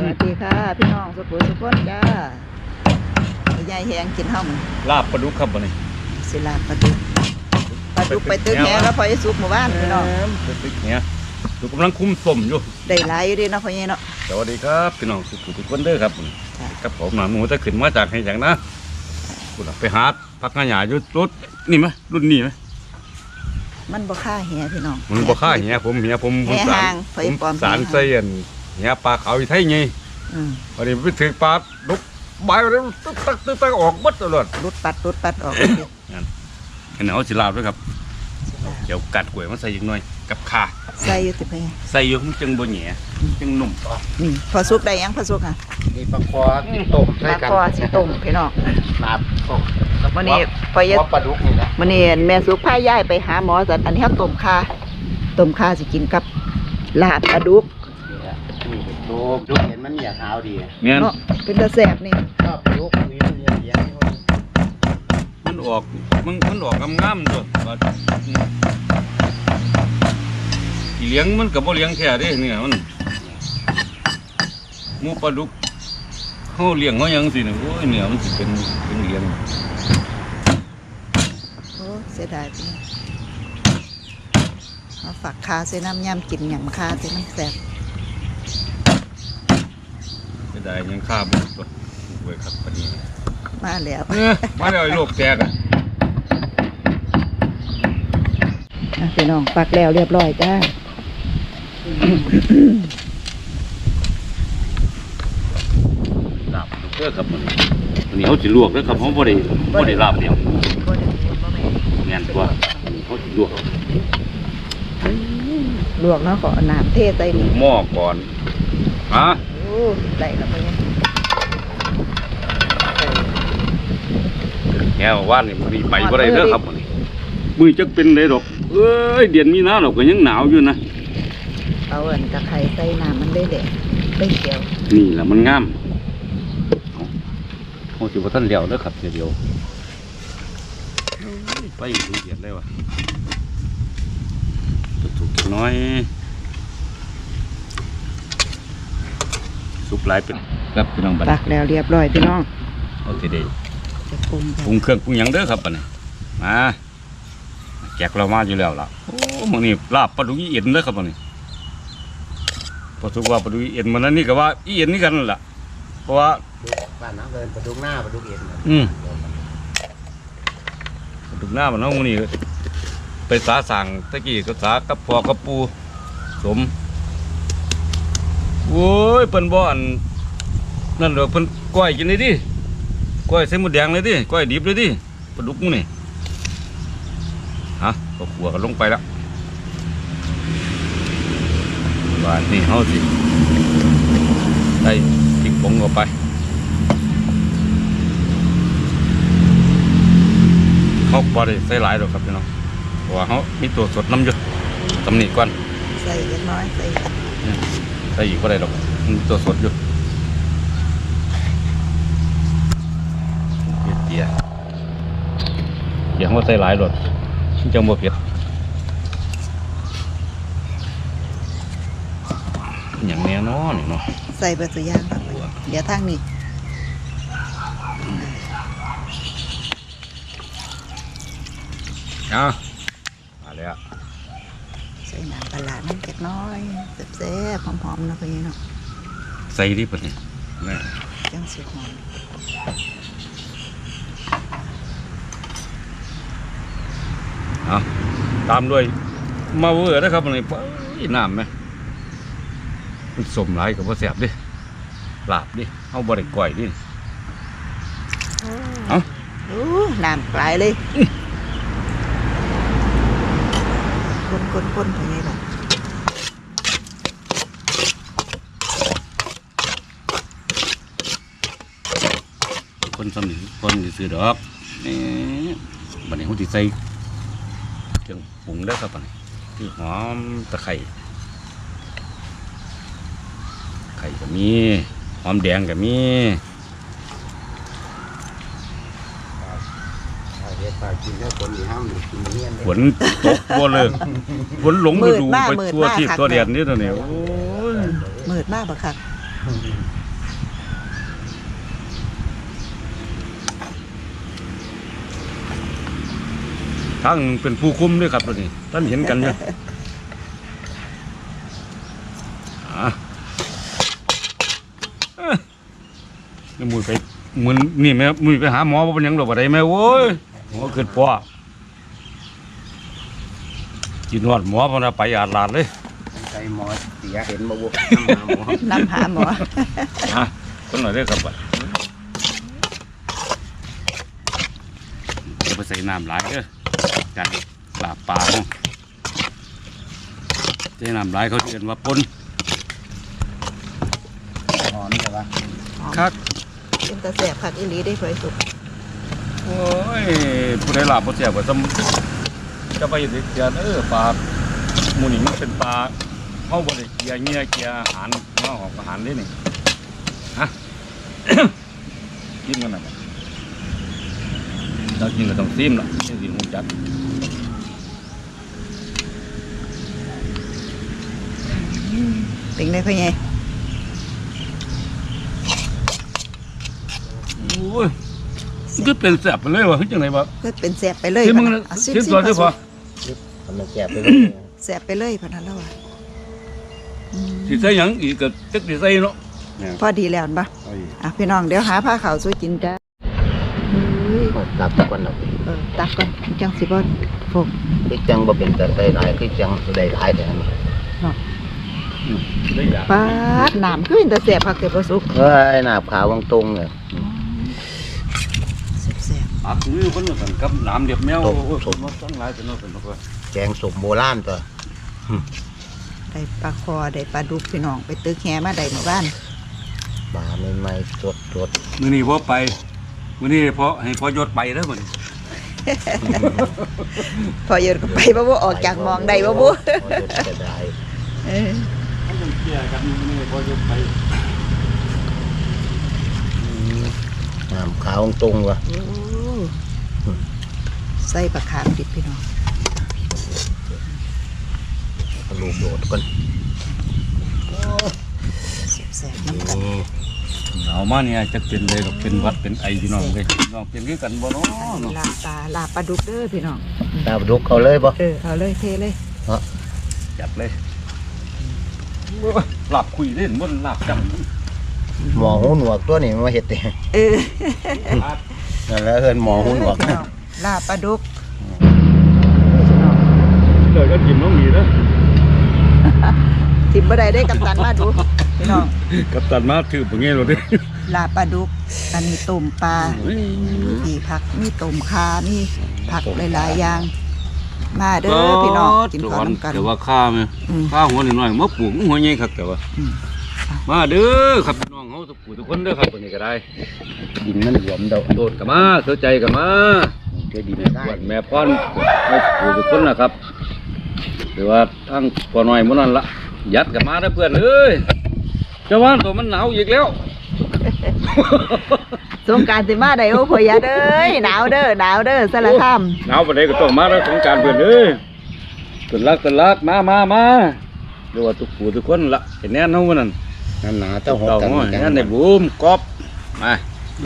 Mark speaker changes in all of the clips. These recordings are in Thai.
Speaker 1: วัสดีค่ะพี่น้องสุขุมสุขคนจ้ายายแหงกินห้อง
Speaker 2: ลาบปลาดุกครับวันนี้
Speaker 1: ศิลาปลาดุกไปตึกแหงแล้วพอจะสุกหมู่บ้านพี่น้อง
Speaker 2: ไปตึกเนี่ยดูกำลังคุ้มส้มอยู่
Speaker 1: ได้หลายอยู่ดีเนาะพ่อใหญ่เนาะ
Speaker 2: สวัสดีครับพี่น้องสุขุมทุกคนเด้อครับกับผมหนาหมูจะขึ้นมาจากให้อย่างนะคุณไปหาพักงานหยาอยู่รถนี่ไหมรุ่นนี้ไหม
Speaker 1: มันบ่ค่าแหพี่น้อง
Speaker 2: มันบ่ค่าเหี้ยผมสารเสียนเหี้ยปลาเขาอีไทยไงวันนี้ไปถือปลาดุกใบแล้วตึ๊กออกบัดตลอด
Speaker 1: รุดปัดออก
Speaker 2: นั่นเห็นเอาสิลาบด้วยครับเดี๋ยวกัดกล้วยมาใส่อีกหน่อยกับข่า
Speaker 1: ใส่อยู่ติไป
Speaker 2: ใส่อยู่มันจึงบ่แหน่จึงนุ่ม
Speaker 1: นี่พอสุกได้ยังพอสุกอ่ะ
Speaker 3: นี่ปลาคอสิต้ม
Speaker 1: ใส่กันปลาคอสิต้มพี่น้อง
Speaker 3: ลาบ
Speaker 1: วันนี้พอเย็ด
Speaker 3: ปลาดุกนี่นะ
Speaker 1: วันนี้แม่สุกพาย่ายไปหาหมอสันอันนี้ต้มข่าสิกินกับลาบปลาดุก
Speaker 3: ดุกเห็นมันอยากขาวดี
Speaker 1: เนาะเป็นตะแสบนี่
Speaker 3: ชอบดุกมีเลี้ยง
Speaker 2: มันออกงามๆตัวอีเลี้ยงมันกับบ่เลี้ยงแค่เด้เนี่ยมันหมูปลาดุกเขาเลี้ยงเขายังสิเนี่ยโอ้ยเนี่ยมันสิเป็นเลี้ยง
Speaker 1: โอ้เสียดายพี่เอาฝักคาเส้นน้ำยำกินอย่างคาเส้นน้ำแสบ
Speaker 2: เสียดายยังฆ่าบุกตัวเว้ยครับปนี้
Speaker 1: มาแล้ว
Speaker 2: ไอ้โลกแตก
Speaker 1: พี่น้องปักแล้วเรียบร้อยจ้า
Speaker 2: ลาบเด้อครับวันนี้เขาสิลวกเด้อครับเขาบ่ได้ลาบเดียวแม่นกว่าเขาสิลวก
Speaker 1: เนาะขอน้ำเทใส่นี่
Speaker 2: หม้อก่อนฮะ
Speaker 1: โอ้ได้แล้วไปเนี่ย
Speaker 2: แง่ว่านนี่มันไปบ่ได้เด้อครับวันนี้มือจักเป็นได้ดอกเอ้ยเดือนมีนาดอกก็ยังหนาวอยู่นะ
Speaker 1: เอาอันตะไคร้ใส่น้ำมันได้เขียว
Speaker 2: นี่แหละมันงามโอ้สิบ่ทันเดียวเด้อครับเดียวไปดูเดือดได้ว่ะถูกน้อยสุกหลายเป็นครับพี่น้องบัด
Speaker 1: ตักแล้วเรียบร้อยพี่น้อง
Speaker 2: โอเคเด้ปรุงเครื่องปรุงหยังเด้อครับบัดนี้มาแจกเรามาอยู่แล้วล่ะโอ้มื้อนี้ลาบปลาดุกอีเอ็นเด้อครับบัดนี้พอสุกว่าปลาดุกอีเอ็นมื้อนั้นนี่ก็ว่าอีเอ็นนี่กันนั่นล่ะเพราะว่า
Speaker 3: บ้านน้ำเดินปลาดุกหน้าปลาดุกเอ็น
Speaker 2: ปลาดุกหน้ามันเนาะมื้อนี้ไปสาสั่งตะกี้ก็สากับพ่อกับปู่สมโอ้ยเพิ่นบ่อันนั่นดอกเพิ่นก้อยกินเลยดิก้อยใส่หมูแดงเลยดิก้อยดิบเลยดิปลาดุกมื้อนี่ฮะก็ขัวกันลงไปแล้วว่านี่เฮาสิได้พริกผงเข้าไปเขาบ่ได้ใส่หลายดอกครับพี่น้องเพราะว่าเขามีตัวสดน้ำอยู่ตำหนิก่อน
Speaker 1: ใส่เล็กน้อยใส่
Speaker 2: อีกบ่ได้ดอกมีตัวสดอยู่เตี๋ยเขาใส่หลายดอกจังบ่เผ็ดอย่างแน่นอนนี่เนาะ
Speaker 1: ใส่เบอร์สุย่างเดี๋ยวทางนี้
Speaker 2: มาแล้ว
Speaker 1: ใส่น้ำปลาน้ำเล็กน้อยแซ่บๆหอมๆนะพี่เนาะ
Speaker 2: ใส่ดิบนี่นี่
Speaker 1: จังสุดหอม
Speaker 2: ตามด้วยมาเวอร์นะครับนี่น้ำไหมมันสมหลายกับว่าแสบดิลาบดิเอาบริก่อยดิ
Speaker 1: เอาน้ำกลายเลยคนไปไงล่ะ
Speaker 2: คนสนิทคนซื้อดอกนี่บัดนี้เขาติใส่เครื่องปรุงได้ครับบัดนี้คือหอมตะไคร้ก็มีหอมแดงก็มีฝนตกบ่เลยฝนหลงฤดูไปทั่วที่ตัวเดียนนี่ตัวนี้โอ้ย
Speaker 1: มืดมากปะครับ
Speaker 2: ทั้งเป็นผู้คุมด้วยครับตัวนี้ท่านเห็นกันเนี่ยนี่มือไปมือนี่แม่มือไปหาหมอว่าเป็นหยังหรอกอะไรแม่โว้ยหมอเกิดปอกินหอดหมอพอนะไปอาดลาดเลย
Speaker 3: ใจหมอเสียเห็นบ่บุ
Speaker 1: นำหาหมอ
Speaker 2: ต้นหน่อยได้ครับบัดจะไปใส่น้ำหลายเด้อกันลาบปลาเนาะใส่น้ำหลายเขาเรียกว่าปน
Speaker 3: หอนใช่ปะ
Speaker 2: คัก
Speaker 1: เป็นตาแสบผักอีหลีได้เผยสุก
Speaker 2: โอ้ยผู้ใดลาบผู้เสียบ่ซ้ำจะไปเด็กเกียปลาหมูนี่มันเป็นปลาเข้าบริเกียเงี้ยเกียอาหารมาออกอาหารได้นี่ฮะ กินกันนะเรากินก็ต้องซิมละนี่สิหูจัก
Speaker 1: เป็นได้เพื่อไง
Speaker 2: โอ้ยมันก็เป็นแสบไปเลยวะคือจังไงวะ
Speaker 1: ก็เป็นแสบไปเลย
Speaker 2: ที่มึง
Speaker 1: อ่ะ
Speaker 2: ชิมตัวได้พอ
Speaker 3: ทำมันแสบไปเลย
Speaker 1: แสบไปเลยพอนั้นแล้วอ่ะ
Speaker 2: สิใส่หยังอีกก็จักสิใส่เนาะ
Speaker 1: พอดีแล้วปะ
Speaker 3: โอ้ย
Speaker 1: อ่ะพี่น้องเดี๋ยวหาผ้าขาวสวยจินจ้าเฮ้ย
Speaker 3: ตับก่อนเนาะ
Speaker 1: ตักก่อนจังสิบ่พก
Speaker 3: คือจังบ่เป็นแต่ได้หลายคือจังได้หลายแต่อันนี้
Speaker 2: ได้อยาก
Speaker 1: ปาดน้ำคือเป็นตาแสบผักเก็บประสุก
Speaker 3: เฮ้ยหน้าขาววังตรงเนี่ย
Speaker 1: แสบ
Speaker 2: ปากมือคนละกันกับน้ำเดียบแมว
Speaker 3: ตบ
Speaker 2: โอ้ยผมว่าตั้งหลายเป็นเนาะเป็นเนาะ
Speaker 3: แกงสมโบราณตัว
Speaker 1: ๆได้ปลาคอได้ปลาดุกพี่น้องไปตึกแหมาได้หมู่บ้าน
Speaker 3: ปลาใหม่ๆสด
Speaker 2: มื้อนี้พอไปมื้อนี้พอให้พอยศไปแล้วมื้อนี้
Speaker 1: พอเยอะก็ไปบ่บ่ออกจากหมองได้บ่บ่
Speaker 3: พอจะได้
Speaker 1: เออ
Speaker 2: เขาจะเกี่ยกันมื้อนี้พอยศไป
Speaker 3: น้ำขาววังตรงว่ะ
Speaker 1: โอ้ใส่ปลาขามดิบพี่น้อง
Speaker 3: ลูกโดดก่อน
Speaker 1: แสบๆน้ำกัน
Speaker 2: เอามาเนี่ยจะเป็นเลยกับเป็นวัดเป็นไอพี่น้องเลยน้องเป็นคือกันบ่เนาะเนาะ
Speaker 1: ลาบปลาดุกเด้อพี่น้อง
Speaker 3: ดาวดุกเขาเลยบ่
Speaker 1: เอาเลยเทเลย
Speaker 2: จัดเลยหลับคุยเล่นมันหลับจัง
Speaker 3: หมอหูหนวกตัวนี้มาเฮ็ดเอง
Speaker 1: เออ
Speaker 3: นั่นแหละเอิ้นหมอหูหนวก
Speaker 1: พี่น้องลาบปลาดุก
Speaker 2: เลยก็กินน้องหนีนะ
Speaker 1: ทิมบ่ได้ได้กัปตันมาดูพี่น้อง
Speaker 2: กับตันมาถือแบบนี้เลยดิ
Speaker 1: ลาบปลาดุกอันนี้ต้มปลามีผักมีต้มคามีผักหลายๆอย่าง มาเด้อพี่น้องกินข้าวน้ำกัน
Speaker 2: แต่ว่าข้าไหม
Speaker 1: อืม
Speaker 2: ข้าหัวหน่อยๆมาปลูกหัวใหญ่ครับแต่ว่า
Speaker 1: อืม
Speaker 2: มาเด้อครับพี่น้องเขาทุกผู้ทุกคนเด้อครับวันนี้ก็ได้
Speaker 3: ดินมันหลวมเดา
Speaker 2: โดดกันมาเสียใจกันมา
Speaker 3: ช่วยดิน
Speaker 2: แม่
Speaker 3: ได้
Speaker 2: ปวดแม่ป้อนให้ผู้ทุกคนนะครับหรือว่าทั้งปอน้อยหมันนั่นละยัดกันมาเด้อเพื่อนเอ้ยเจ้าว่าตัวมันหนาวอีกแล้ว
Speaker 1: สงกรารสิมาได้โอ้พ่อยาเด้อหนาวเด้อสารคาม
Speaker 2: หนาวปานใดก็ต้องมาแล้วสงกรารเพื่อนเอ้ยตุนลักมาเรียกว่าทุกผู้ทุกคนละเห็นแน่นอนนั่น
Speaker 3: นั่นหนาเจ้าหด
Speaker 2: เต่า
Speaker 3: กัน
Speaker 2: ง้อยนั่นในบูมกอบมา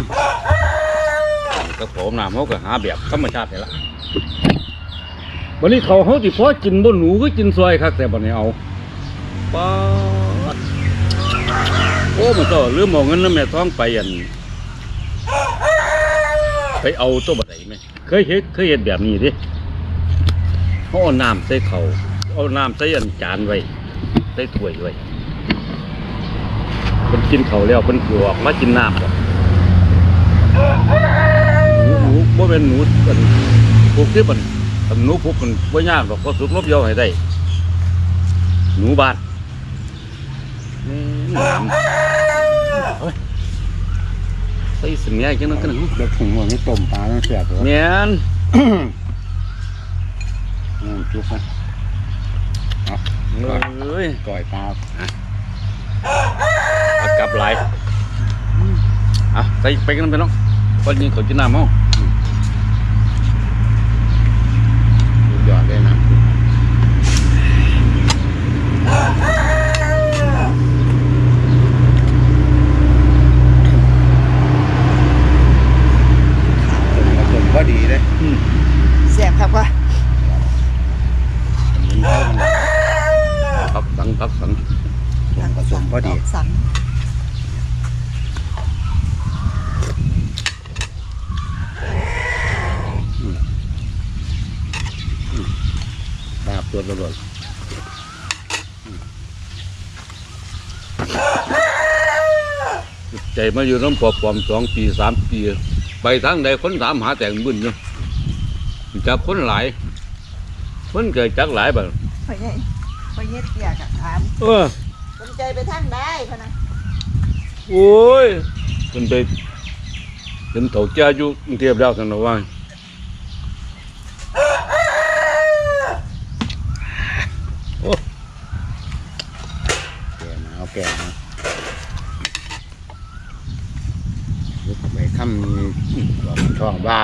Speaker 2: ก็ผมน้ำเขาก็หาแบบธรรมชาตินี่ละวันนี้เขาที่พอกินบนหนูก็กินซอยครับแต่บันนี้เอาป๊าดโอ้มันก็ลืมเอาเงินน้ำแม่ท้องไปอันไปเอาตัวบัดไหนไหมเคยเห็นแบบนี้ดิเขาเอาน้ำใส่เขาเอาน้ำใส่อันจานไว้ใส่ถ้วยไว้เป็นกินเขาแล้วเป็นหลอกมากินน้ำก่อนหนูบ่เป็นหนูเป็นพวกที่มันหนูพวกมันบ่ยากหรอกก็สุกลบเยาให้ได้ หนูบ้านน้ำเฮ้ยใส่สิ่งนี้จังนั้นกัน
Speaker 3: เด็กถึงหัวนี่ต้มปลาต้องเสียบเลย
Speaker 2: เมียน
Speaker 3: จุกนะ
Speaker 2: เอ้ย
Speaker 3: ก่อยปลา
Speaker 2: เอากลับไหลอ่ะใส่ไปกันไปน้องคนยิงเขากินน้ำมั้ง
Speaker 3: สุดยอดเลยนะ
Speaker 1: ออกสัง
Speaker 3: ดาบตัวตำรวจ
Speaker 2: ใจมาอยู่น้ำปอบปอม2 ปี 3 ปี ไปทางใดคนถามหาแต่งบุญอยู่จับคนหลายคนเกิดจักหลายแบบ
Speaker 1: พ่อใหญ่พ่อใหญ่เตี้ยกับถาม สนใจไปทางใดพะนะ
Speaker 2: โอ้ยเป็นไปเป็นเถ่าแก่อยู่กรุงเทพแล้วสันนะว่า
Speaker 3: แก่มาเอาแก่มาไปทำบอกช่องบ้า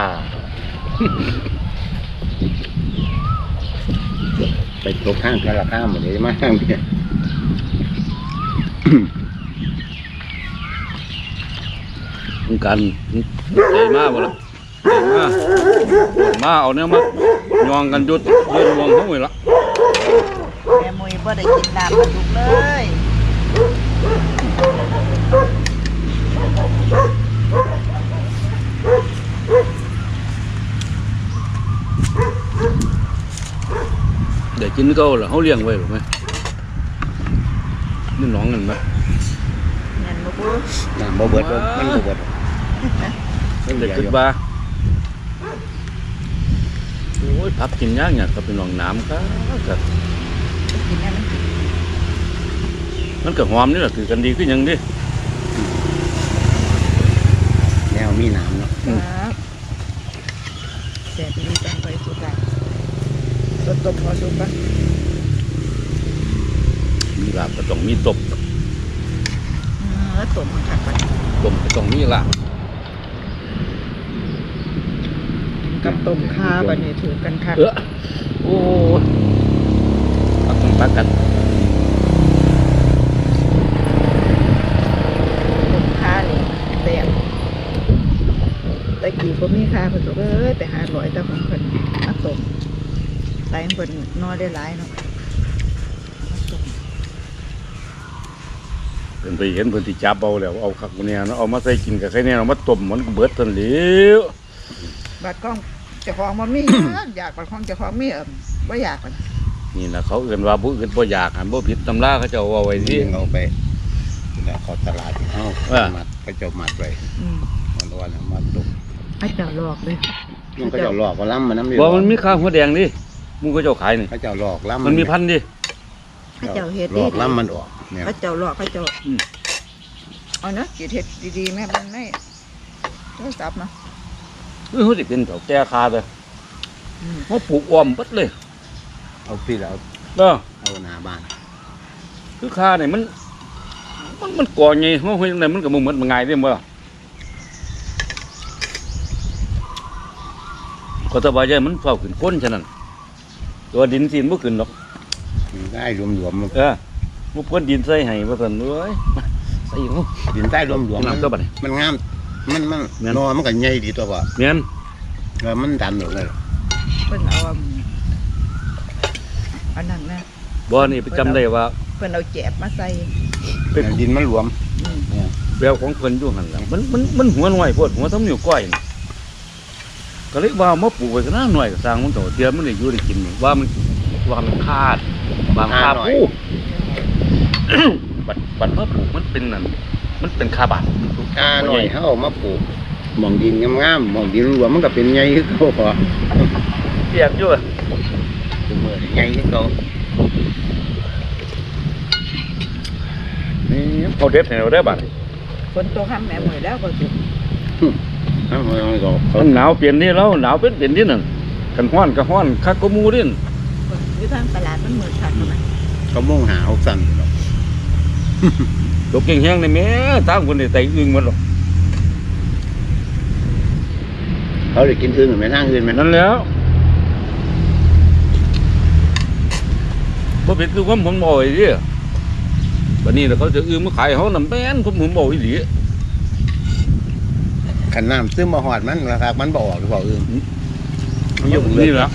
Speaker 3: ไปตกข้างกันละข้ามหมดเลยมาข้างเนี่ย
Speaker 2: ต้องการใจมากบ่ล่ะใจมากปวดมาเอาเนี่ยมายองกันจุดเลื่อนวงเขาไว้ละ
Speaker 1: แม่มุยบ่ได้กินน้ำปลาดุกเลย
Speaker 2: เดี๋ยวกินก็ล่ะเขาเลี้ยงไว้หรือไม่นี่น้องกันไหม
Speaker 1: เงินบ่บู
Speaker 3: น้ำบ่เบิดบ่มันบ่เบิด
Speaker 2: เด็กขึ้นบ้าโอ้ยพักกินยากเนี่ยก็เป็นหนองน้ำครับ
Speaker 1: กินได้ไหม
Speaker 2: มันก็หอมนี่แหละถือกันดีขึ้นยังดิ
Speaker 3: แนวมีน้ำเนาะ
Speaker 1: ครับแซ่บดีจังไปสุดละตัวตบพอสุกปะ
Speaker 2: มีลาบก็ต้องมีตบ
Speaker 1: แล้วตบมันขัดไป
Speaker 2: ต้มก็ต้องมีลาบ
Speaker 1: กับต้มข้าบัดนี้ถือกันคัก
Speaker 2: โอ้ยปักกันปักกัน
Speaker 1: ต้มข้านี่แซ่บตะกี้บ่มีข้าเพิ่นบอกไปหาร้อยแต่ของเพิ่นมาต้มใส่เพิ่นนอได้หลายเนาะมาต้ม
Speaker 2: เป็นไปเห็นเพิ่นที่จับเอาแล้วเอาคักเนี่ยเนาะเอามาใส่กินกับไข่เนี่ยเอามาต้มมันก็เบิดทันเหลว
Speaker 1: บัดกล้องเจ้าของบ่มี อยากบัดของเจ้าของมีบ่อยากมัน
Speaker 2: นี่นะเขาเอื่นว่าผู้อื่นบ่อยากหันบ่ผิดตำราเขาเจะเอาไว้ที่
Speaker 3: ที่เอาไปแล้วเขาตลาดที่เฮา
Speaker 2: ว่า
Speaker 3: มัดเขาเจ้ามัดไว้
Speaker 1: อืม
Speaker 3: มันวันมาตก
Speaker 1: ให้เจ้าลอกเลย
Speaker 3: มันก็เจ้าหลอกก็ล้ำมันน้ำดี
Speaker 2: บ่มันมีข้าวหัวแดงดิมึงก็เจ้าขายนี่
Speaker 3: เขาเจ้าหลอกล้ำ
Speaker 2: มันมีพันธุ์ดิ
Speaker 1: ให้เจ้าเฮ็ด
Speaker 3: หลอกล้ำมันออกเนี่ย
Speaker 1: ให้เจ้าลอกให้เจ้า
Speaker 2: อืม
Speaker 1: เอาเนาะสิเฮ็ดดีๆแม่มันได้โทรศัพท์เนาะ
Speaker 2: เฮ้ยสิเป็นเถ่าแก่คาเด้อ
Speaker 1: อืม
Speaker 2: เขาปลูกอ้อมเบิดเลย
Speaker 3: เอาพี่แล้ว
Speaker 2: เด้อ
Speaker 3: เอาหน้าบ้าน
Speaker 2: คือคาเนี่ยมันก่อไงเฮาเฮ็ดจังไดมันก็บ่เหมือนมันง่ายเด้บ่ก็สบายใจมันเฝ้าขึ้นก้นฉะนั้นตัวดินสินบ่ขึ้นดอก
Speaker 3: ได้รวมๆมัน
Speaker 2: บ่เพิ่นดินใส่ให้ว่าซั่นเอ้ยมาใส่หู
Speaker 3: ดินใต้รวมๆ
Speaker 2: น้ำตัวบัดนี้
Speaker 3: มันงามมัน
Speaker 2: แม่น
Speaker 3: นอมันก็ใหญ่ดีตัวบ่
Speaker 2: แม่น
Speaker 3: แล้วมันดันออกเลย
Speaker 1: เพิ่นเอาอันนั้นนะ
Speaker 2: บ่นี่ไปจำได้ว่า
Speaker 1: เพิ่นเอาแจบมาใส่
Speaker 2: เป็น
Speaker 3: ดินมันรวม
Speaker 1: อืม
Speaker 2: แววของเพิ่นอยู่หั่นล่ะมันหัวน้อยโพดหัวทำนิ้วก้อยนี่ก็เลยว่ามาปลูกไว้ซะนะหน่อยก็สร้างมันโตเดี๋ยวมันได้อยู่ได้กินนี่ว่ามันขาดบางคาปู บัดมาปลูกมันเป็นนั่นมันเป็นคาบาด
Speaker 3: หน่อยเฮาเอามาปลูกหม่องดินงามๆหม่องดินรวมมันก็เป็นใหญ่คือเขาพอ
Speaker 2: เปียกอยู่
Speaker 3: เป็นมือใหญ่คือเขา
Speaker 2: นี่เขาเด็ดให้เราได้บัด
Speaker 1: ฝนตกค่ำแม่มื้อแล้วก็สิ
Speaker 3: เอามันก็เขา
Speaker 2: มันหนาวเปลี่ยนนี่แล้วหนาวเป็นนี่นั่นกันฮ้อนก็ฮ้อนคักก็หมู่นี่
Speaker 1: อยู่ทางตลาดมันมืดคักเนาะ
Speaker 3: เขามุ่งหาเอาสั่นหรอก
Speaker 2: ตกแห้งๆนี่แม่ตามคนได้ไตอึ้งหมดหรอก
Speaker 3: เขาได้กินอึ่งไหมทางอื่นไหม
Speaker 2: นั่นแล้วบ่เป็นคือความผมบ่อยดิบัดนี้แล้วเขาจะอึ้งมาขายเฮานำแม่นผมบ่อีหลี
Speaker 3: ขันน้ำซึมมาหอดมันนะครับมันบ่ออกหรือเปล่าอึ่ง
Speaker 2: มันอยู่นี่ล่ะ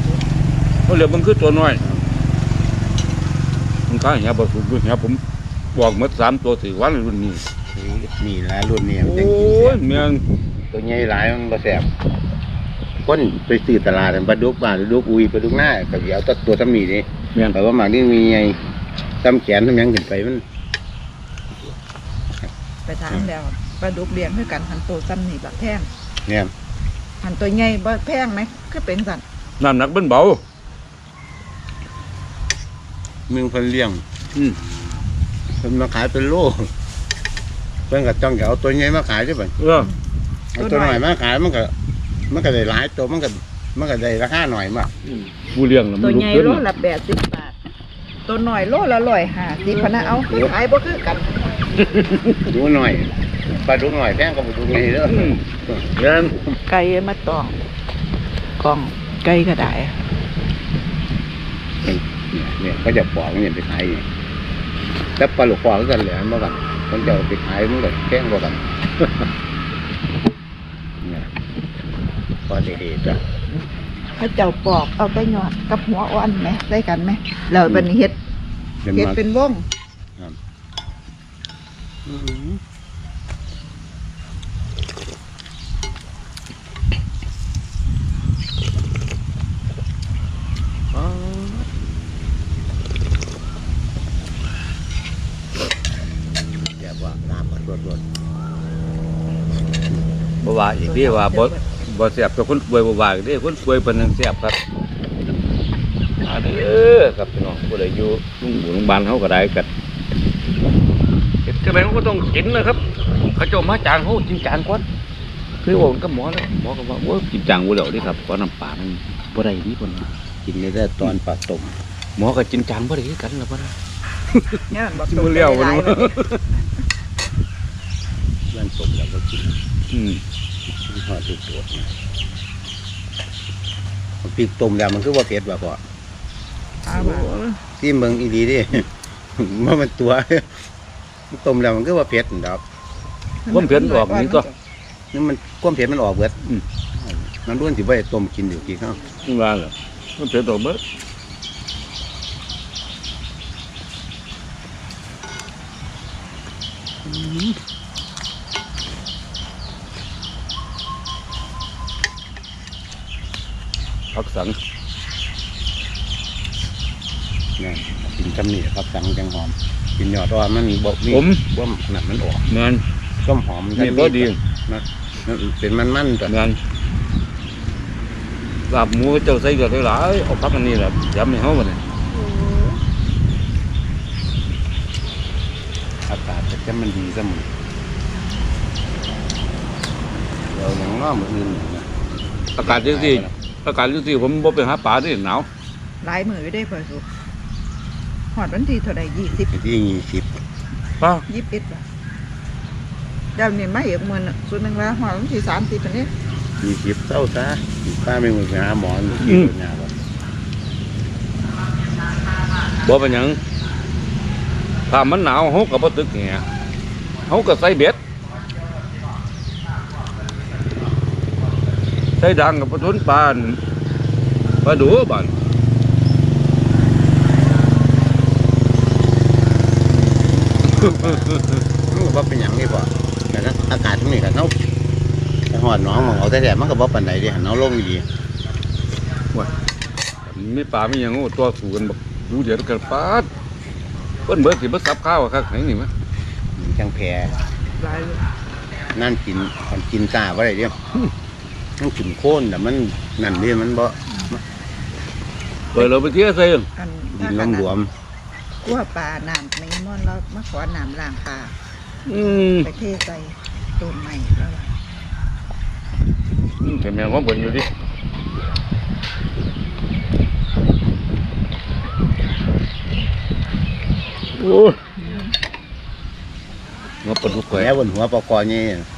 Speaker 2: เขาเหลือมันคือตัวน้อยมันขายหาบ่ถูกด้วยหาผมบอกหมด3ตัว4วันรุ่นนี้
Speaker 3: นี่ละรุ่นนี้มัน
Speaker 2: โอ้
Speaker 3: จังกินแซ่
Speaker 2: ย
Speaker 3: บ
Speaker 2: แม่น
Speaker 3: ตัวใหญ่หลายมันบ่แซ่บคนไปซื้อตลาดปลาดุกบ้านปลาดุกอุยปลาดุกหน้าก็สิเอาตัวซ้ำนี่เด้
Speaker 2: แม่น
Speaker 3: แต่ว่าหมากนี่มีใหญ่ซ้ำแขนซ้ำหยังขึ้นไปมัน
Speaker 1: ไปถามแล้วปลาดุกเลี้ยงคือกันหันโตซ้ำนี่ละแพง
Speaker 3: เนี่ย
Speaker 1: หันตัวใหญ่บ่แพงไหมก็เป็นสัน
Speaker 2: น้ำหนักเป็นเบา
Speaker 3: มึงเพิ่นเลี้ยง
Speaker 2: อืม
Speaker 3: เพิ่นมาขายเป็นโลเพิ่นก็ต้องเอาตัวใหญ่มาขายด้วยบัด เอาตัวหน่อยมาขายมันก็ได้หลายตัวมันก็ได้ราคาหน่อยมาก
Speaker 2: ผู้เลี้ยงน่ะ
Speaker 1: ตั
Speaker 2: มั
Speaker 1: วน
Speaker 2: ลุ
Speaker 1: ให
Speaker 2: ก
Speaker 1: ญ่
Speaker 2: ขึ้น
Speaker 1: โลละ80 บาท ตัวหน่อยโลละ150พะนะเอาคือขายบ่คือกัน
Speaker 3: ดูหน่อยปลาดุกหน่อยแพงก็ปลาดุกใหญ่เด้อ
Speaker 2: อืมแม่น
Speaker 1: ไก่มาตองกล่องไก่ก็ได้
Speaker 3: เนี่ยก็จะปอกเนี่ยไปขายแต่ปลาลูกปอกกันแหละเมื่อกันคนจะเอาไปขายมันก็แพงกว่ากันเนี่ยพอได้ๆจ้ะ
Speaker 1: เขาเจ้าปอกเอาแต่ยอดกับหัวอ่อนไหมได้กันไหมแล้วบัดนี้เฮ็ด
Speaker 3: เดี๋ยว
Speaker 1: เฮ็ด
Speaker 3: มา
Speaker 1: เป็นวง
Speaker 3: อืมอ๋อเดี๋ยวว่าน้ำมันรด
Speaker 2: บ่ว่าอีกเด้ว่าบ่แซ่บแต่คนป่วยบ่ว่าอีกเด้คนป่วยเพิ่นยังแซ่บครับอันนี้ครับพี่น้องผู้ใดอยู่โรงพยาบาลเฮาก็ได้กันเฮ็ดจังได๋ก็ต้องกินนะครับ เขาเจ้ามาจางเฮากินจางก่อนคือว่ากับหมอแล้วหมอก็ว่าโอ้ยกินจางบ่แล้วเด้ครับเพราะน้ำปลามันบ่ได้นี่เพิ่นว่า
Speaker 3: กินได้ตอนปลาต้ม
Speaker 2: หมอก็กินจางบ่ได้คือกันล่ะบ่ล่ะ
Speaker 1: เนี่ยมันบอก
Speaker 2: สิบ่เลี้ยวบ่
Speaker 1: หลาย
Speaker 2: เนาะ
Speaker 3: เรื่องต้มแล้วก็กิน
Speaker 2: อืม
Speaker 3: ทอดทุกตัวพริกต้มแล้วมันคือว่าเผ็ดบ่พอ
Speaker 1: เอามา
Speaker 3: ที่เมืองอีดีดิ ว่ามันตัว ต้มแล้วมันคือว่าเผ็ดดอก
Speaker 2: ความเผ็ดออกนี่ก็
Speaker 3: นี่มันความเผ็ดมันออกเบิด
Speaker 2: อืม
Speaker 3: มันร่วนสิบ่ได้ต้มกินอยู่กี่ข้าว
Speaker 2: ว่าล่ะมันเผ็ดออกเบิดผักสัง
Speaker 3: เนี่ยกินจำนี่ครับสังจังหอม กินยอดอ่อนมันบ่มี
Speaker 2: ผม
Speaker 3: ว่าขนาดมันออก
Speaker 2: แม่น
Speaker 3: ส้มหอม
Speaker 2: นี่บ่ดี
Speaker 3: นะมันเป็นมันๆจ้ะ
Speaker 2: แม่นลาบหมูเจ้าใส่ก็หลายๆเอาผักอันนี้แหละยำให้เฮาบัดนี้
Speaker 3: อากาศจะมันดีเสมอเดี๋ยวอย่างน้อมืออื่นนะ
Speaker 2: อากาศจังซี่อากาศจังซี่ผมบ่ไปหาปลาเด้หนาว
Speaker 1: หลายมือได้เพิ่นสุหอดวันที่เท่าใด20
Speaker 3: ที่20
Speaker 2: ปลา
Speaker 1: 21บาทเดี๋ยวนี้มาอีกมื้อนึงส่วนหนึงว่าหอดวันที่30อันนี้
Speaker 3: 20เศร้าซะป้าไม่มือไปหาหมออยู่ที่โรงงานบ่
Speaker 2: บ่เป็นหยังถ้ามันหนาวเฮาก็บ่ตึกแหเฮาก็ใส่เบ็ดใส่ดังกับปลาทุนปลาอั่นปลาดูบ้าน
Speaker 3: มันก็บ่เป็นหยังนี่บ่แต่นะอากาศตรงนี้ก็เนาถ้าหอดหน้องของเอาแต่แดดมันก็บ่ปานใดเด้หันเอาลงดี
Speaker 2: มีปลามีหยังโอ้ตัวสูกันบักดูเดี๋ยวกันปาดเพิ่นเบิดสิบ่ซับข้าวอะครับไหนนี่มั้ย
Speaker 3: มันจังแพร
Speaker 1: หลายเลย
Speaker 3: นั่นกินซ่าบ่ได้เด้มันกินโคนแต่มันนั่นเด้มันบ่
Speaker 2: เปิดเราไปเที่ยวใส่
Speaker 1: อัน
Speaker 3: ดินหลวม
Speaker 1: กลัวปลาน้ำไม่ม่อนแล้วมาขอน้ำล้างปลา
Speaker 2: อืม
Speaker 1: ไปเทใส่ต้นใหม่แล้วล่ะ
Speaker 2: แต่แม่งว่าเบิ่นอยู่ดิโอ้ยมาปลาดุก
Speaker 3: ๆ
Speaker 2: แขว
Speaker 3: แล้วบนหัวปอกอนี่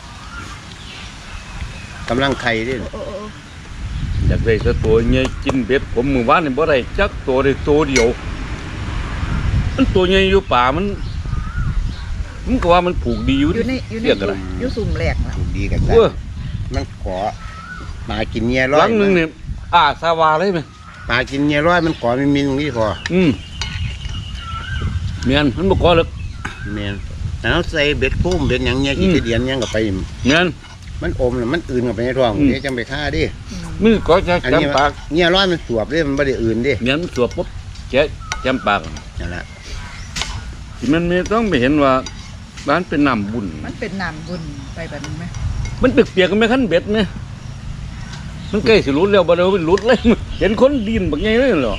Speaker 3: กำลังไข่เด้
Speaker 1: โอ้
Speaker 2: อยากได้แต่ตัวใหญ่กินเบ็ดผมมื้อวานนี่บ่ได้จักตัวได้ตัวเดียวมันตัวใหญ่อยู่ป่ามันก็ว่ามันผูกดีอยู่
Speaker 1: อยู่ใน
Speaker 2: เรียกอะไร
Speaker 1: อยู่สุ่มแหลกน่ะ
Speaker 3: ถูกดีกันซะ
Speaker 2: เว้ย
Speaker 3: มันขอปลากินเงียร้
Speaker 2: ห
Speaker 3: อ
Speaker 2: ลั
Speaker 3: ย
Speaker 2: งหนึงนี่สาวาเลยไหม
Speaker 3: ปลากินเงียร้อยมันขอมีตรงนี้พอ
Speaker 2: อืมเมียนมันบ่ก่อเลย
Speaker 3: แม่นแล้วใส่เบ็ดพุ่มเบ็ดหยังเนี่ยกี่เดือนยังก็ไป
Speaker 2: เงี้ย
Speaker 3: มันอมแล้วมันอื่นกับไปในท้องเดี๋ยวจังไปฆ่าดิ
Speaker 2: มือก็จะ
Speaker 3: อันนี้
Speaker 2: จำปาก
Speaker 3: เนี่ยร้อยมันสวบดิมันไม่ได้อื่นดิ
Speaker 2: เงี้ยมันสวบปุ๊บแกะจำปาก
Speaker 3: นั่นแหละ
Speaker 2: ที่มันไม่ต้องไปเห็นว่าบ้านเป็นน้ำบุญ
Speaker 1: มันเป็นน้ำบุญไปแบบนี้ไหม
Speaker 2: มันเปียกๆกันไหมขั้นเบ็ดไหมมันใกล้สิหลุดแล้วบ่เดี๋ยวมันหลุดเลยเห็นคนดินบักไงเลยเหรอ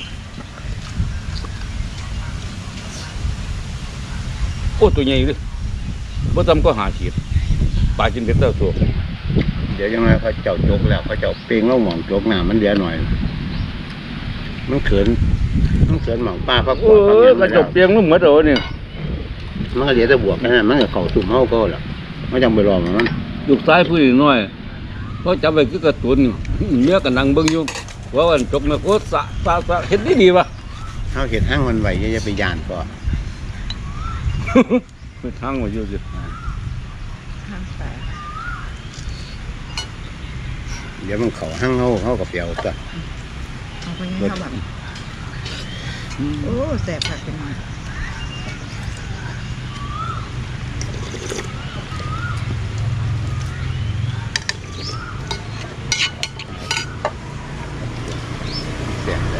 Speaker 2: โอ้ตัวใหญ่เลยบ่ทำก็หาขีดปลากินเบ็ดเต้าตัว
Speaker 3: เดี๋ยวยังไงเขาเจ้าจกแล้วเขาเจ้าเปลงแล้วหมองจกหน้ามันเดือหน่อย มันเขินหมองป้าพัก
Speaker 2: โอ้ยกระจกเปียงมันเหมือนเดิมเนี่ย
Speaker 3: มันก็เดี๋ยวจะบวกกันนะมันก็เข่าตุ่มเฮาก็แล้วมันจังไปรอมัน
Speaker 2: ลูกซ้ายผู้น้อยเขาจับไปคือกระตุนเมียกันนั่งเบิ่งอยู่ว่าวันจกนะโอ้สะเห็นดีวะ
Speaker 3: เฮาเห็ดห้างมันไหวจะไปย่านก่อ
Speaker 2: ไปทางมาอยู่สิ
Speaker 1: ห้างสาย
Speaker 3: เดี๋ยวมันเข่าห้างเฮากับเปียวก็
Speaker 1: เอาไปยังเขาแบบโอ้แสบผักเป็นหน่อย
Speaker 3: เสียงเลย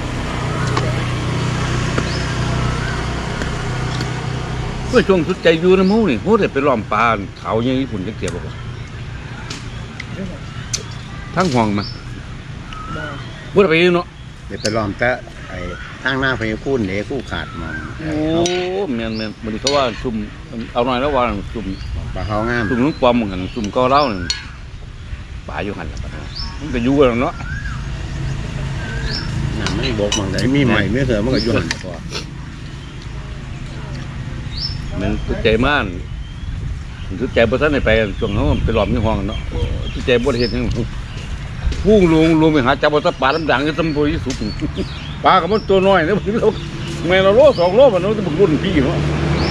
Speaker 2: เพื่อช่วงสุดใจอยู่นะมูนี่โอ้ได้ไปล้อมปลาเขาอย่างญี่ปุ่นจะเกี่ยวบ่
Speaker 1: เรื่องแบบ
Speaker 2: ทั้งห่วงมา
Speaker 1: บ่
Speaker 2: บ่ได้ไปเนาะ
Speaker 3: เดี๋ยวไปล้อมแต่ไอ้ทางหน้าพญาคูนเหลกู้ขาดมอง
Speaker 2: โอ้แม่นบ่ได้เขาว่าซุ่มเอาหน่อยแล้วว่าซุ่ม
Speaker 3: ปลาเขางาม
Speaker 2: ซุ่มลุงปอมกันซุ่มก็เล่านี่ปลาอยู่หั่นล่ะบัดนี้มันก็อยู่กันเนาะ
Speaker 3: น้ำไม่บกมองแต่มีใหม่ไม่เถอะมันก็ยุ่นพอ
Speaker 2: มันสุดใจมากสุดใจบ่ทันได้ไปช่วงเฮาไปล้อมในห้องเนาะสุดใจบ่ได้เฮ็ดหยังพุ่งลงไปหาจับปลาดำๆอยู่ตำบลที่สุดปลาก็มันตัวน้อยนะแม่เราโล2โลมันจะบึกรุ่นพี่เนาะ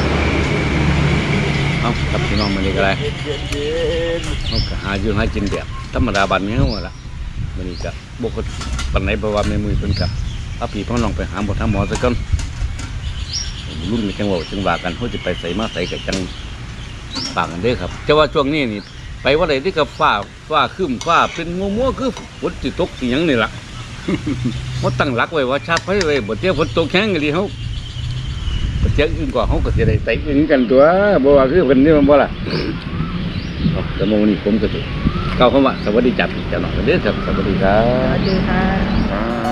Speaker 2: เอาครับพี่น้องมานี่ก็ได้เขาก็หาอยู่หากินแบบธรรมดาบ้านเฮาล่ะมื้อนี้ก็บ่ก็ปานไหนเพราะว่าแม่มือเพิ่นก็เอาพี่พ่อน้องไปหาหมอทางหมอซะก่อนรุ่นนี้จังเว้าจังว่ากันเฮาสิไปใส่มาใส่ก็จังปากกันเด้อครับแต่ว่าช่วงนี้นี่ไปว่าใดที่กับฟ้าครึ้มฟ้าเป็นมัวๆคือฝนสิตกสิหยังนี่ล่ะ เขาตั้งหลักไว้ว่าชาติไฟไว้บ่เที่ยวฝนตกแข็งอีหลีเฮาบ่เที่ยวอื่นกว่าเฮาก็สิได้ไต่อื่นกันตัวบ่ว่าคือเพิ่นนี่มันบ่ล่ะ แต่มื้อนี้ผมก็สิกล่าวคำว่าสวัสดีจัดเจ้าน้องเด้อครับสวัสดีครั
Speaker 1: ส
Speaker 2: บ
Speaker 1: วัสดีค่ะ
Speaker 3: อ่า